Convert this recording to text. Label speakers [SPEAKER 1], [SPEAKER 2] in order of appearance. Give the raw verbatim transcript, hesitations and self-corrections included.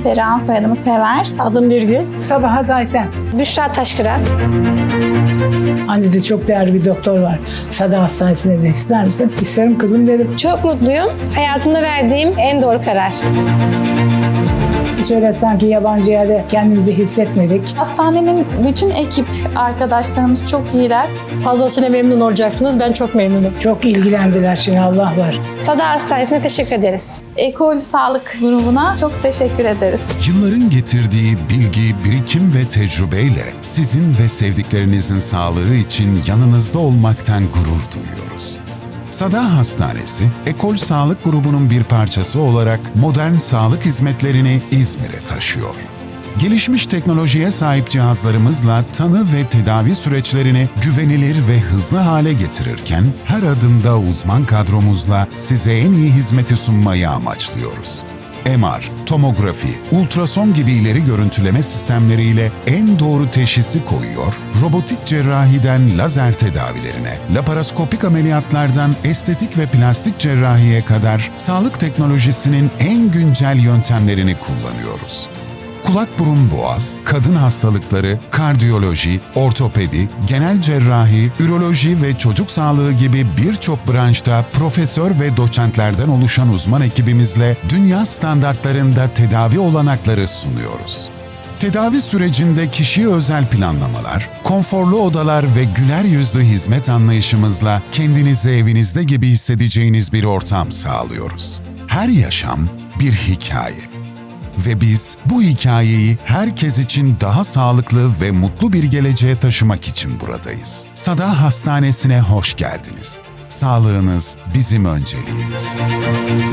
[SPEAKER 1] Perihan, soyadımı Sever.
[SPEAKER 2] Adım Birgül.
[SPEAKER 3] Sabahat Ayten.
[SPEAKER 4] Büşra Taşkıran.
[SPEAKER 3] Anne'de çok değerli bir doktor var. Sada Hastanesi'ne de ister misin? İsterim kızım dedim.
[SPEAKER 4] Çok mutluyum. Hayatımda verdiğim en doğru karar.
[SPEAKER 3] Hiç öyle sanki yabancı yerde kendimizi hissetmedik.
[SPEAKER 1] Hastanenin bütün ekip arkadaşlarımız çok iyiler.
[SPEAKER 2] Fazlasıyla memnun olacaksınız. Ben çok memnunum.
[SPEAKER 3] Çok ilgilendiler, şimdi Allah var.
[SPEAKER 4] Sada Hastanesi'ne teşekkür ederiz.
[SPEAKER 1] Ekol Sağlık grubuna çok teşekkür ederiz.
[SPEAKER 5] Yılların getirdiği bilgi, birikim ve tecrübeyle sizin ve sevdiklerinizin sağlığı için yanınızda olmaktan gurur duyuyoruz. Sada Hastanesi, Ekol Sağlık grubunun bir parçası olarak modern sağlık hizmetlerini İzmir'e taşıyor. Gelişmiş teknolojiye sahip cihazlarımızla tanı ve tedavi süreçlerini güvenilir ve hızlı hale getirirken her adımda uzman kadromuzla size en iyi hizmeti sunmayı amaçlıyoruz. M R, tomografi, ultrason gibi ileri görüntüleme sistemleriyle en doğru teşhisi koyuyor, robotik cerrahiden lazer tedavilerine, laparoskopik ameliyatlardan estetik ve plastik cerrahiye kadar sağlık teknolojisinin en güncel yöntemlerini kullanıyoruz. Kulak burun boğaz, kadın hastalıkları, kardiyoloji, ortopedi, genel cerrahi, üroloji ve çocuk sağlığı gibi birçok branşta profesör ve doçentlerden oluşan uzman ekibimizle dünya standartlarında tedavi olanakları sunuyoruz. Tedavi sürecinde kişiye özel planlamalar, konforlu odalar ve güler yüzlü hizmet anlayışımızla kendinizi evinizde gibi hissedeceğiniz bir ortam sağlıyoruz. Her yaşam bir hikaye. Ve biz bu hikayeyi herkes için daha sağlıklı ve mutlu bir geleceğe taşımak için buradayız. Sada Hastanesi'ne hoş geldiniz. Sağlığınız bizim önceliğimiz.